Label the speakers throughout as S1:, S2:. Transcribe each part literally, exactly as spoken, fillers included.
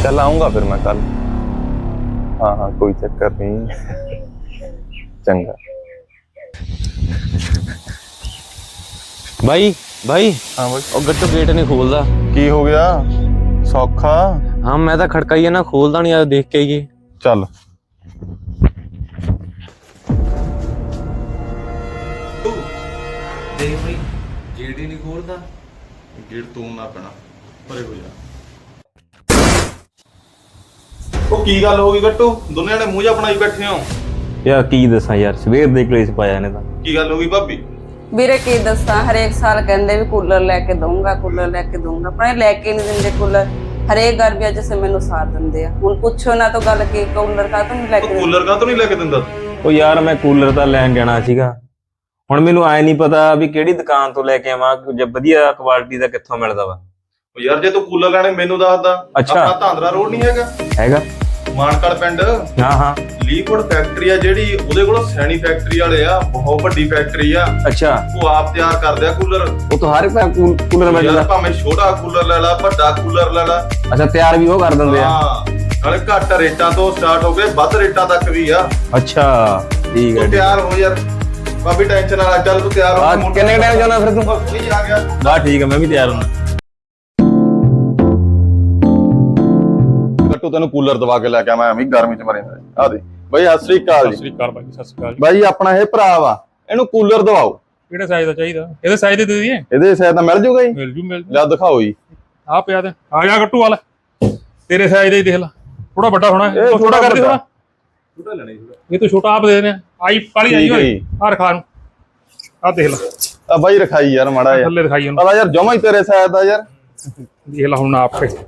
S1: चल आऊंगा फिर मैं कल। हाँ हाँ कोई चक्कर नहीं। चंगा
S2: भाई भाई
S1: हाँ भाई
S2: ਉਹ ਗੱਟੂ ਗੇਟ ਨਹੀਂ ਖੋਲਦਾ।
S1: की हो गया सौखा?
S2: ਹਾਂ ਮੈਂ ਤਾਂ ਖੜਕਾਈਏ ਨਾ ਖੋਲਦਾ ਨਹੀਂ ਆ ਦੇਖ ਕੇ ਆਈਏ।
S1: चल
S2: ਦੇਖ ਭਾਈ ਗੇਟ ਹੀ ਨਹੀਂ ਖੋਲਦਾ।
S1: गेट तू ना पैना परे हो जा। ਉਹ ਕੀ ਗੱਲ ਹੋ ਗਈ ਗੱਟੂ? ਦੋਨੇ ਜਣੇ ਮੂੰਹ ਜਾ ਬਣਾਈ ਬੈਠੇ ਹੋ।
S2: ਯਾਰ ਕੀ ਦੱਸਾਂ ਯਾਰ ਸਵੇਰ ਦੇ ਕਲੇਸ਼ ਪਾਇਆ ਇਹਨੇ ਤਾਂ।
S1: ਕੀ ਗੱਲ ਹੋ ਗਈ ਭਾਬੀ?
S3: ਵੀਰੇ ਕੀ ਦੱਸਾਂ, ਹਰੇਕ ਸਾਲ ਕਹਿੰਦੇ ਵੀ ਕੂਲਰ ਲੈ ਕੇ ਦਊਂਗਾ ਕੂਲਰ ਲੈ ਕੇ ਦਊਂਗਾ, ਪਰ ਇਹ ਲੈ ਕੇ ਨਹੀਂ ਦਿੰਦੇ ਕੂਲਰ। ਹਰੇਕ ਗਰਮੀਆਂ ਚ ਮੈਨੂੰ ਸਾਥ ਦਿੰਦੇ ਆ। ਹੁਣ ਪੁੱਛੋ ਨਾ ਤਾਂ ਗੱਲ ਕੀ ਕੂਲਰ ਕਾ ਨਹੀਂ ਲੈ ਕੇ ਦਿੰਦੇ।
S1: ਕੂਲਰ ਕਾ ਤੋਂ ਨਹੀਂ ਲੈ ਕੇ ਦਿੰਦਾ?
S2: ਉਹ ਯਾਰ ਮੈਂ ਕੂਲਰ ਤਾਂ ਲੈਣ ਜਾਣਾ ਸੀਗਾ, ਹੁਣ ਮੈਨੂੰ ਆਏ ਨਹੀਂ ਪਤਾ ਵੀ ਕਿਹੜੀ ਦੁਕਾਨ ਤੋਂ ਲੈ ਕੇ ਆਵਾਂ, ਜੇ ਵਧੀਆ ਕੁਆਲਿਟੀ ਦਾ ਕਿੱਥੋਂ ਮਿਲਦਾ ਵਾ।
S1: ਉਹ ਯਾਰ ਜੇ ਤੂੰ ਕੂਲਰ ਲੈਣੇ ਮੈਨੂੰ ਦੱਸਦਾ।
S2: ਅੱਛਾ।
S1: ਆਪਣਾ ਧਾਂਦਰਾ ਰੋਡ ਨਹੀਂ ਹੈਗਾ?
S2: ਹੈਗਾ
S1: ਮਾਨਕੜ ਪਿੰਡ।
S2: ਹਾਂ ਹਾਂ
S1: ਲੀਫੁੱਡ ਫੈਕਟਰੀ ਆ ਜਿਹੜੀ, ਉਹਦੇ ਕੋਲ ਸੈਣੀ ਫੈਕਟਰੀ ਵਾਲੇ ਆ, ਬਹੁਤ ਵੱਡੀ ਫੈਕਟਰੀ ਆ।
S2: ਅੱਛਾ।
S1: ਉਹ ਆਪ ਤਿਆਰ ਕਰਦੇ ਆ ਕੂਲਰ।
S2: ਉਹ ਤਾਂ ਹਰ ਇੱਕ ਕੂਲਰ ਮਿਲ
S1: ਯਾਰ
S2: ਜਾਂਦਾ।
S1: ਭਾਵੇਂ ਛੋਟਾ ਕੂਲਰ ਲੈ ਲਾ, ਵੱਡਾ ਕੂਲਰ ਲੈ ਲਾ।
S2: ਅੱਛਾ ਤਿਆਰ ਵੀ ਉਹ ਕਰ ਦਿੰਦੇ ਆ?
S1: ਹਾਂ ਨਾਲੇ ਘੱਟ ਰੇਟਾਂ ਤੋਂ ਸਟਾਰਟ ਹੋ ਕੇ ਵੱਧ ਰੇਟਾਂ ਤੱਕ ਵੀ ਆ।
S2: ਅੱਛਾ ਠੀਕ ਹੈ।
S1: ਤੂੰ ਤਿਆਰ ਹੋ ਯਾਰ ਬਾਬੀ, ਟੈਨਸ਼ਨ ਨਾ ਲੈ। ਚੱਲ ਤੂੰ ਤਿਆਰ
S2: ਆ
S1: ਹੋ।
S2: ਕਿੰਨੇ ਟਾਈਮ ਜਾਣਾ ਫਿਰ ਤੂੰ?
S1: ਨਹੀਂ ਆ ਗਿਆ
S2: ਬਾ ਠੀਕ ਹੈ ਮੈਂ ਵੀ ਤਿਆਰ ਹਾਂ।
S1: ਗੱਟੂ ਤੈਨੂੰ ਕੂਲਰ ਦਵਾ ਕੇ ਲੈ ਕੇ ਆਵਾਂ, ਐਵੇਂ ਗਰਮੀ ਚ ਮਰੇਂਦਾ। ਆ ਦੇ ਬਾਈ ਸਤਿ ਸ੍ਰੀ ਅਕਾਲ
S4: ਸਤਿ
S1: ਜੀ।
S4: ਸ੍ਰੀ ਅਕਾਲ ਬਾਈ, ਸਤਿ ਸ੍ਰੀ ਅਕਾਲ।
S1: ਬਾਈ ਆਪਣਾ ਇਹ ਭਰਾ ਵਾ, ਇਹਨੂੰ ਕੂਲਰ ਦਵਾਓ।
S4: ਕਿਹੜੇ ਸਾਈਜ਼ ਦਾ ਚਾਹੀਦਾ? ਇਹਦੇ ਸਾਈਜ਼ ਦੇ ਦੇ ਦਈਏ?
S1: ਇਹਦੇ ਸਾਇਦ ਤਾਂ ਮਿਲ ਜੂਗਾ ਜੀ।
S4: ਮਿਲ ਜੂ ਮਿਲ ਜੂ।
S1: ਲੈ ਦਿਖਾਓ ਜੀ।
S4: ਆ ਪਿਆ ਤੇ ਆ ਜਾ ਗੱਟੂ ਵਾਲਾ, ਤੇਰੇ ਸਾਈਜ਼ ਦਾ ਹੀ ਦੇਖ ਲੈ। ਥੋੜਾ ਵੱਡਾ ਹੋਣਾ
S1: ਇਹ ਥੋੜਾ
S4: ਕਰ ਦੇ
S1: ਵੱਡਾ।
S4: ਥੋੜਾ। ਛੋਟਾ ਲੈਣਾ ਜੀ, ਇਹ ਤਾਂ ਛੋਟਾ ਆਪ ਦੇ ਦੇਣੇ। ਆਈ ਕਾਲੀ ਆਈ
S1: ਠੀਕ ਹੈ
S4: ਹੋਈ
S1: ਜੀ।
S4: ਆ ਰਖਾ ਨੂੰ। ਆ ਦੇਖ ਲੈ
S1: ਆ ਬਾਈ ਰਖਾਈ ਯਾਰ ਮਾੜਾ ਜਿਹਾ।
S4: ਥੱਲੇ ਦਿਖਾਈ ਉਹਨੂੰ।
S1: ਪਤਾ ਯਾਰ ਜਮਾ ਹੀ ਤੇਰੇ ਸਾਇਦ ਦਾ ਯਾਰ।
S4: ਦੇਖ ਲੈ ਹੁਣ ਆਪ ਕੇ।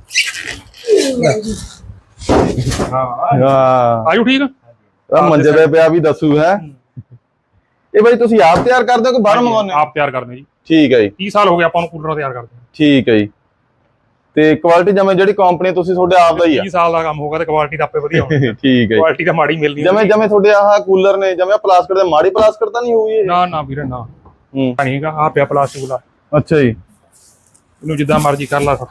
S4: ਹਾਂ
S1: ਹਾਂ
S4: ਆਜੂ ਠੀਕ ਆ।
S1: ਆ ਮੰਜੇ ਤੇ ਪਿਆ ਵੀ ਦੱਸੂ ਹੈ। ਇਹ ਬਾਈ ਤੁਸੀਂ ਆਪ ਤਿਆਰ ਕਰਦੇ ਹੋ ਕਿ ਬਾਹਰੋਂ ਮੰਗਾਉਂਦੇ ਹੋ?
S4: ਆਪ ਤਿਆਰ ਕਰਦੇ ਜੀ।
S1: ਠੀਕ ਹੈ ਜੀ।
S4: ਤੀਹ ਸਾਲ ਹੋ ਗਏ ਆਪਾਂ ਨੂੰ ਕੂਲਰ ਤਿਆਰ ਕਰਦੇ।
S1: ਠੀਕ ਹੈ ਜੀ। ਤੇ ਕੁਆਲਿਟੀ ਜਿਵੇਂ ਜਿਹੜੀ ਕੰਪਨੀ ਤੁਸੀਂ ਤੁਹਾਡੇ ਆਪ ਦਾ ਹੀ ਆ?
S4: ਤੀਹ ਸਾਲ ਦਾ ਕੰਮ ਹੋਗਾ ਤੇ ਕੁਆਲਿਟੀ ਤਾਂ ਆਪੇ ਵਧੀਆ ਹੋਣੀ।
S1: ਠੀਕ ਹੈ ਜੀ।
S4: ਕੁਆਲਿਟੀ ਤਾਂ ਮਾੜੀ ਮਿਲਣੀ
S1: ਜਿਵੇਂ ਜਿਵੇਂ ਤੁਹਾਡੇ ਆਹ ਕੂਲਰ ਨੇ, ਜਿਵੇਂ ਪਲਾਸਟਿਕ ਦੇ, ਮਾੜੀ ਪਲਾਸਟਿਕ ਤਾਂ ਨਹੀਂ ਹੋਈ ਇਹ?
S4: ਨਾ ਨਾ ਵੀਰੇ ਨਾ
S1: ਹੂੰ
S4: ਨਹੀਂਗਾ। ਆ ਪਿਆ ਪਲਾਸਟਿਕ ਵਾਲਾ,
S1: ਅੱਛਾ ਜੀ।
S4: ਇਹਨੂੰ ਜਿੱਦਾਂ ਮਰਜ਼ੀ ਕਰ ਲਾ।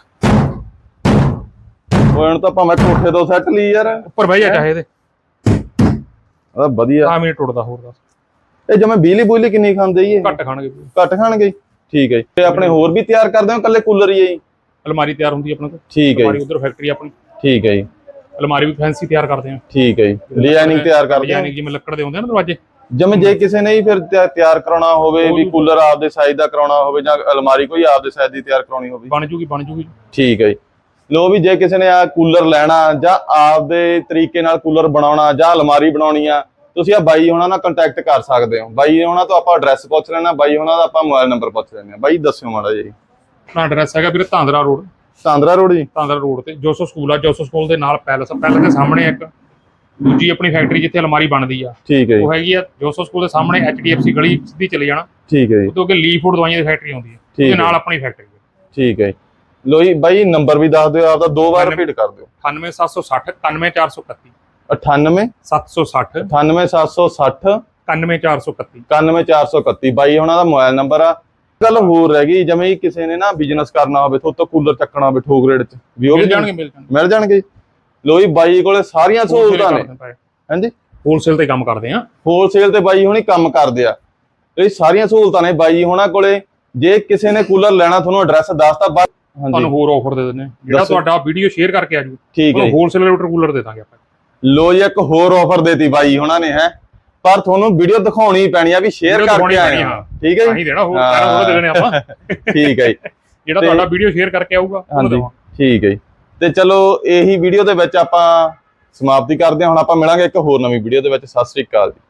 S1: ਹੁਣ ਤਾਂ ਭਾਵੇਂ ਕੋਠੇ ਤੋਂ ਸੈੱਟ ਲਈ ਯਾਰ।
S4: ਉੱਪਰ ਬਹਿ ਜਾ ਚਾਹੇ ਇਹਦੇ।
S1: ਆ ਵਧੀਆ।
S4: ਆ ਮਿੰਟ ਟੁੱਟਦਾ ਹੋਰ ਦੱਸ।
S1: ਇਹ ਜਿਵੇਂ ਬਿਜਲੀ ਬੁਜਲੀ ਕਿੰਨੀ ਖਾਂਦੇ ਜੀ ਇਹ?
S4: ਘੱਟ ਖਾਣਗੇ।
S1: ਘੱਟ ਖਾਣਗੇ। ਠੀਕ ਹੈ ਜੀ। ਤੇ ਆਪਣੇ ਹੋਰ ਵੀ ਤਿਆਰ ਕਰਦੇ ਹੋ ਇਕੱਲੇ ਕੂਲਰ ਹੀ ਹੈ ਜੀ?
S4: ਅਲਮਾਰੀ ਤਿਆਰ ਹੁੰਦੀ ਆਪਣੇ ਕੋਲ।
S1: ਠੀਕ ਹੈ
S4: ਅਲਮਾਰੀ
S1: ਜੀ।
S4: ਉਧਰ ਫੈਕਟਰੀ ਆਪਣੀ।
S1: ਠੀਕ ਹੈ ਜੀ।
S4: ਅਲਮਾਰੀ ਵੀ ਫੈਂਸੀ ਤਿਆਰ ਕਰਦੇ ਆ।
S1: ਠੀਕ ਹੈ ਜੀ। ਡਿਜ਼ਾਈਨਿੰਗ ਤਿਆਰ ਕਰਦੇ ਹੋ?
S4: ਡਿਜ਼ਾਈਨਿੰਗ ਜਿਵੇਂ ਲੱਕੜ ਦੇ ਹੁੰਦੇ ਆ ਨਾ ਦਰਵਾਜ਼ੇ।
S1: ਜਿਵੇਂ ਜੇ ਕਿਸੇ ਨੇ ਹੀ ਫਿਰ ਤਿਆ- ਤਿਆਰ ਕਰਾਉਣਾ ਹੋਵੇ ਵੀ ਕੂਲਰ ਆਪਦੇ ਸਾਈਜ਼ ਦਾ ਕਰਾਉਣਾ ਹੋਵੇ ਜਾਂ ਅਲਮਾਰੀ ਕੋਈ ਆਪਦੇ ਸਾਈਜ਼ ਦੀ ਤਿਆਰ ਕਰਾਉਣੀ ਹੋਵੇ?
S4: ਬਣ ਜੂਗੀ ਬਣ ਜੂਗੀ।
S1: ਠੀਕ ਹੈ ਜੀ। ਲੋ ਵੀ ਜੇ ਕਿਸੇ ਨੇ ਆ ਕੂਲਰ ਲੈਣਾ ਜਾਂ ਆਪਦੇ ਤਰੀਕੇ ਨਾਲ ਕੂਲਰ ਬਣਾਉਣਾ ਜਾਂ ਅਲਮਾਰੀ ਬਣਾਉਣੀ ਆ, ਤੁਸੀਂ ਆ ਬਾਈ ਹੋਣਾ ਨਾਲ ਕੰਟੈਕਟ ਕਰ ਸਕਦੇ ਹੋ। ਬਾਈ ਹੋਣਾ ਤੋਂ ਆਪਾਂ ਐਡਰੈਸ ਪੁੱਛ ਲੈਣਾ, ਬਾਈ ਹੋਣਾ ਦਾ ਆਪਾਂ ਮੋਬਾਈਲ ਨੰਬਰ ਪੁੱਛ ਲੈਣੇ ਆ। ਬਾਈ ਦੱਸਿਓ ਮਾੜਾ ਜੀ।
S4: ਆਪਣਾ ਐਡਰੈਸ ਹੈਗਾ ਵੀਰੇ ਧਾਂਦਰਾ ਰੋਡ।
S1: ਤਾਂਦਰਾ ਰੋਡ ਜੀ।
S4: ਧਾਂਦਰਾ ਰੋਡ ਤੇ ਜੋਸੋ ਸਕੂਲ ਆ। ਜੋਸੋ ਸਕੂਲ ਦੇ ਨਾਲ ਪੈਲਸ। ਪੈਲਸ ਦੇ ਸਾਹਮਣੇ ਇੱਕ ਦੂਜੀ ਆਪਣੀ ਫੈਕਟਰੀ ਜਿੱਥੇ ਅਲਮਾਰੀ ਬਣਦੀ ਆ,
S1: ਠੀਕ ਹੈ ਜੀ।
S4: ਉਹ ਹੈਗੀ ਆ ਜੋਸੋ ਸਕੂਲ ਦੇ ਸਾਹਮਣੇ। ਐਚ ਡੀ ਐਫ ਸੀ ਗਲੀ ਸਿੱਧੀ ਚਲੇ ਜਾਣਾ।
S1: ਠੀਕ ਹੈ ਜੀ।
S4: ਉਦੋਂ ਅੱਗੇ ਲੀਫੁੱਡ ਦਵਾਈਆਂ ਦੀ ਫੈਕਟਰੀ ਆਉਂਦੀ ਹੈ, ਉਹਦੇ ਨਾਲ ਆਪਣੀ ਫੈਕਟਰੀ ਹੈ।
S1: ਠੀਕ ਹੈ। ਲੋ ਜੀ ਬਾਈ ਨੰਬਰ ਵੀ ਦੱਸ ਦਿਓ ਆਪਦਾ, ਦੋ ਵਾਰ ਰਿਪੀਟ ਕਰ ਦਿਓ।
S4: ਅਠਾਨਵੇਂ ਸੱਤ ਸੌ ਸੱਠ ਇਕਾਨਵੇਂ ਚਾਰ ਸੌ ਇਕੱਤੀ।
S1: ਅਠਾਨਵੇਂ
S4: ਸੱਤ ਸੌ ਸੱਠ
S1: ਅਠਾਨਵੇਂ ਸੱਤ ਸੌ ਸੱਠ
S4: ਇਕਾਨਵੇਂ ਚਾਰ ਸੌ ਇਕੱਤੀ।
S1: ਇਕਾਨਵੇਂ ਚਾਰ ਸੌ ਇਕੱਤੀ ਬਾਈ ਉਹਨਾਂ ਦਾ ਮੋਬਾਈਲ ਨੰਬਰ ਆ। ਗੱਲ ਹੋਰ ਰਹਿ ਗਈ, ਜਿਵੇਂ ਕਿਸੇ ਨੇ ਨਾ ਬਿਜ਼ਨਸ ਕਰਨਾ ਹੋਵੇ, ਤੋਂ ਕੂਲਰ ਚੱਕਣਾ ਹੋਵੇ ਠੋਕ ਰੇਟ ਚ ਵੀ ਉਹ
S4: ਮਿਲ
S1: ਵੀ
S4: ਜਾਣਗੇ ਮਿਲ ਜਾਣਗੇ
S1: ਮਿਲ ਜਾਣਗੇ। ਲੋ ਜੀ ਬਾਈ ਕੋਲੇ ਸਾਰੀਆਂ ਸਹੂਲਤਾਂ ਨੇ। ਹਾਂਜੀ
S4: ਹੋਲਸੇਲ ਤੇ ਕੰਮ ਕਰਦੇ ਆ।
S1: ਹੋਲਸੇਲ ਤੇ ਬਾਈ ਹੁਣੀ ਕੰਮ ਕਰਦੇ ਆ। ਇਹ ਸਾਰੀਆਂ ਸਹੂਲਤਾਂ ਨੇ ਬਾਈ ਹੋਣਾ ਕੋਲੇ। ਜੇ ਕਿਸੇ ਨੇ ਕੂਲਰ ਲੈਣਾ, ਤੁਹਾਨੂੰ ਐਡਰੈਸ ਦੱਸਤਾ। ਹਾਂਜੀ
S4: ਤੁਹਾਨੂੰ ਹੋਰ ਆਫਰ ਦੇ ਦਿੰਦੇ ਆ। ਜਿਹੜਾ ਤੁਹਾਡਾ ਵੀਡੀਓ ਸ਼ੇਅਰ ਕਰਕੇ ਆ ਜੂ,
S1: ਠੀਕ ਹੈ।
S4: ਹੋਲਸੇਲ ਰੇਟ ਕੂਲਰ ਦੇ ਦਾਂਗੇ ਆਪਾਂ।
S1: ਲੋ ਜੀ ਇੱਕ ਹੋਰ ਆਫਰ ਦੇਤੀ ਬਾਈ ਹੋਣਾ ਨੇ ਹੈ, ਪਰ ਤੁਹਾਨੂੰ ਵੀਡੀਓ ਦਿਖਾਉਣੀ ਪੈਣੀ ਆ ਵੀ ਸ਼ੇਅਰ ਕਰਕੇ ਆਏ ਆ। ਠੀਕ ਹੈ ਜੀ।
S4: ਨਹੀਂ ਦੇਣਾ ਹੋਰ ਸਾਰਾ ਥੋੜਾ ਦੇਣੇ ਆਪਾਂ।
S1: ਠੀਕ ਹੈ ਜੀ।
S4: ਜਿਹੜਾ ਤੁਹਾਡਾ ਵੀਡੀਓ ਸ਼ੇਅਰ ਕਰਕੇ ਆਊਗਾ ਉਹ ਦੇਵਾਂ।
S1: ਠੀਕ ਹੈ ਜੀ। ਤੇ ਚਲੋ ਇਹੀ ਵੀਡੀਓ ਦੇ ਵਿੱਚ ਆਪਾਂ ਸਮਾਪਤੀ ਕਰਦੇ ਹਾਂ। ਹੁਣ ਆਪਾਂ ਮਿਲਾਂਗੇ ਇੱਕ ਹੋਰ ਨਵੀਂ ਵੀਡੀਓ ਦੇ ਵਿੱਚ। ਸਤਿ ਸ੍ਰੀ ਅਕਾਲ ਜੀ।